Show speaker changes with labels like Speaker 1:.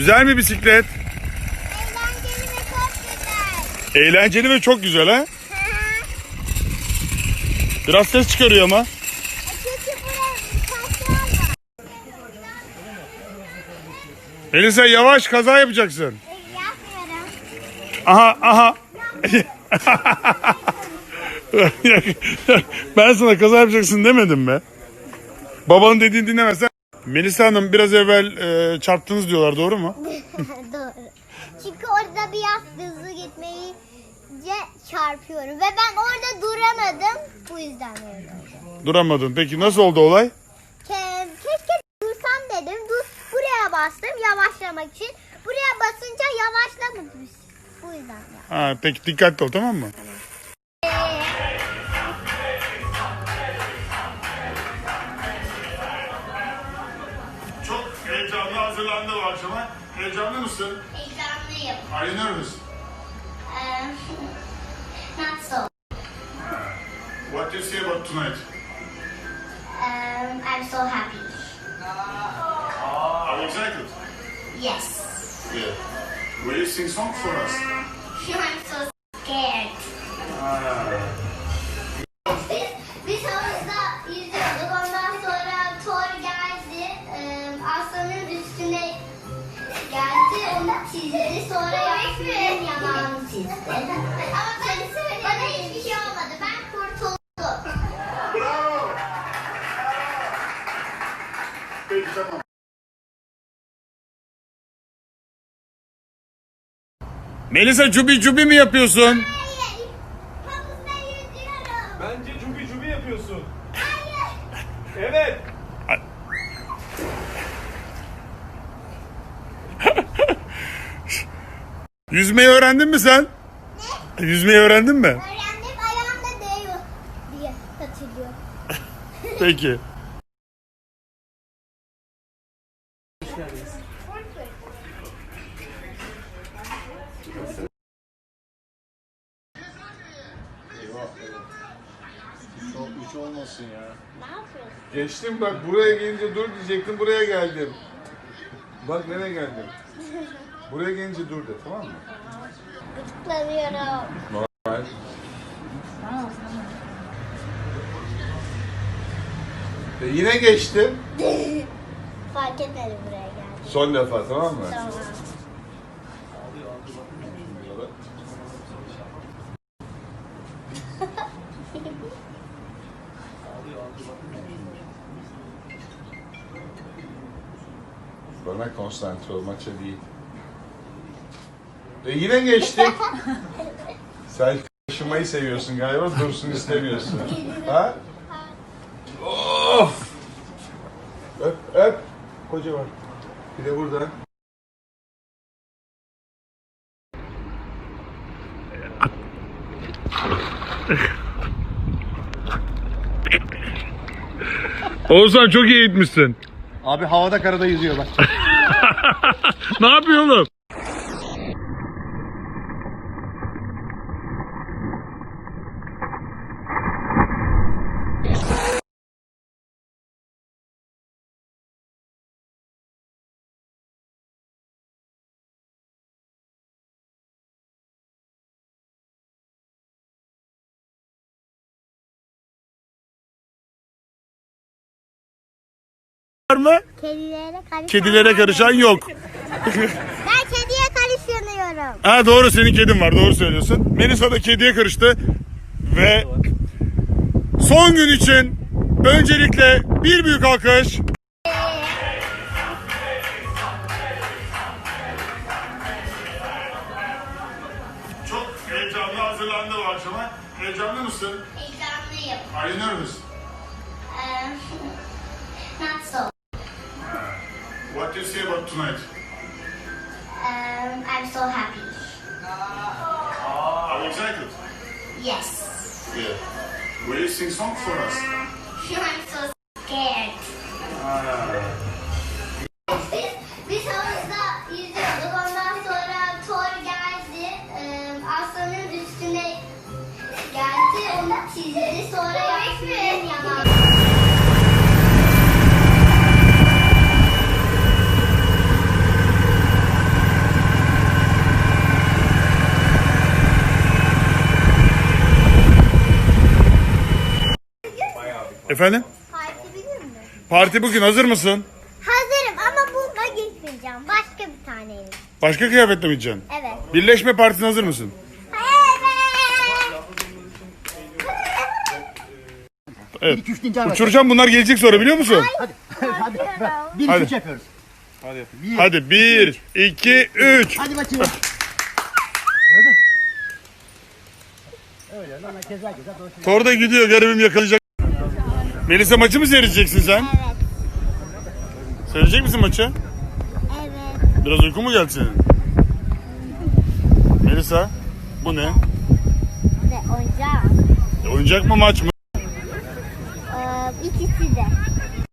Speaker 1: Güzel mi bisiklet?
Speaker 2: Eğlenceli ve çok güzel.
Speaker 1: Eğlenceli ve çok güzel ha? Biraz ses çıkarıyor ama.
Speaker 2: Çünkü buraya taşlar var.
Speaker 1: Melisa yavaş, kaza yapacaksın.
Speaker 2: Yapmıyorum.
Speaker 1: Aha. Ben sana kaza yapacaksın demedim mi? Babanın dediğini dinlemezsen. Melisa Hanım biraz evvel çarptınız diyorlar, doğru mu?
Speaker 2: Doğru. Çünkü orada biraz hızlı gitmeyince çarpıyorum. Ve ben orada duramadım. Bu yüzden öyle oldu.
Speaker 1: Duramadın. Peki nasıl oldu olay?
Speaker 2: Keşke dursam dedim. Buraya bastım yavaşlamak için. Buraya basınca yavaşlamadım. Bu yüzden ya.
Speaker 1: Ha, peki dikkatli ol, tamam mı? Çok heyecanlı hazırlandı bu akşama. Heyecanlı mısın?
Speaker 2: Heyecanlıyım.
Speaker 1: Are you nervous?
Speaker 2: Not so.
Speaker 1: What do you say about tonight?
Speaker 2: I'm so happy.
Speaker 1: Are you excited?
Speaker 2: Yes.
Speaker 1: Yeah. Will you sing song for us?
Speaker 2: I'm so scared. Biz havuzda yüzüyorduk. Ondan sonra Thor geldi. Aslanın üstüne geldi. Onu çizdi. Sonra Yasmin'in yanağını çizdi. Ama bana hiçbir şey olmadı. Ben kurtuldum.
Speaker 1: Bravo! Peki tamam. Melisa cubi mi yapıyorsun?
Speaker 2: Hayır. Havuzda yüzüyorum.
Speaker 3: Bence cubi yapıyorsun.
Speaker 2: Hayır.
Speaker 3: Evet.
Speaker 1: Yüzmeyi öğrendin mi sen?
Speaker 2: Ne?
Speaker 1: Yüzmeyi öğrendin mi?
Speaker 2: Öğrendim, ayağımda değiyor diye hatırlıyorum.
Speaker 1: Peki.
Speaker 4: Hiç olmasın ya.
Speaker 2: Ne yapıyorsun?
Speaker 4: Geçtim bak, buraya gelince dur diyecektim, buraya geldim. Bak nereye geldim. Buraya gelince dur de, tamam mı?
Speaker 2: Gıdıklanıyorum.
Speaker 4: Normal. Yine geçtim.
Speaker 2: Fark etmedi buraya geldim.
Speaker 4: Son defa, tamam mı?
Speaker 2: Tamam.
Speaker 4: Bana konsantre ol, maça değil. Yine geçtik. Sen taşımayı seviyorsun galiba, dursun istemiyorsun. Ha? Of! Öp. Kocaman. Bir de burada.
Speaker 1: Oğuzhan çok iyi gitmişsin.
Speaker 3: Abi havada karada yüzüyor bak.
Speaker 1: Ne yapıyor oğlum? Var mı? Kedilere karışan yok.
Speaker 2: Ben kediye karışıyorum.
Speaker 1: Ha doğru, senin kedin var, doğru söylüyorsun. Melisa da kediye karıştı. Ve son gün için öncelikle bir büyük alkış. Çok heyecanlı hazırlandı bu akşama. Heyecanlı mısın?
Speaker 2: Heyecanlıyım.
Speaker 1: Are you nervous?
Speaker 2: Not so.
Speaker 1: What do you say about tonight?
Speaker 2: I'm so happy.
Speaker 1: Are you excited?
Speaker 2: Yes.
Speaker 1: Yeah. Will you sing song for us?
Speaker 2: I'm so scared. Biz havuzda yüzüyorduk. Ondan sonra Thor geldi. Aslanın üstüne geldi. Onu çizdi. Sonra Yasmin'in yanağını.
Speaker 1: Efendim?
Speaker 2: Parti bilir mi?
Speaker 1: Parti bugün, hazır mısın?
Speaker 2: Hazırım ama bununla gitmeyeceğim. Başka bir taneyle.
Speaker 1: Başka kıyafetle mi gideceksin?
Speaker 2: Evet.
Speaker 1: Birleşme partisine hazır mısın? Evet.
Speaker 5: 1 2 3 deyince
Speaker 1: Uçuracağım, bunlar gelecek sonra, biliyor musun?
Speaker 5: Hadi.
Speaker 2: Korkuyorum.
Speaker 5: 1
Speaker 1: Hadi.
Speaker 5: 2 3 yapıyoruz.
Speaker 1: Hadi 1, 2, 3.
Speaker 5: Hadi bakayım. Gördün? Öyle lan keza dolaşıyor.
Speaker 1: Thor da gidiyor, garibim yakalayacak. Melisa, maçı mı seyredeceksin sen?
Speaker 2: Evet.
Speaker 1: Seyredecek misin maçı?
Speaker 2: Evet.
Speaker 1: Biraz uyku mu geldi senin? Melisa, bu ne?
Speaker 2: Ve oyuncak.
Speaker 1: Oyuncak mı, maç mı?
Speaker 2: İkisi de.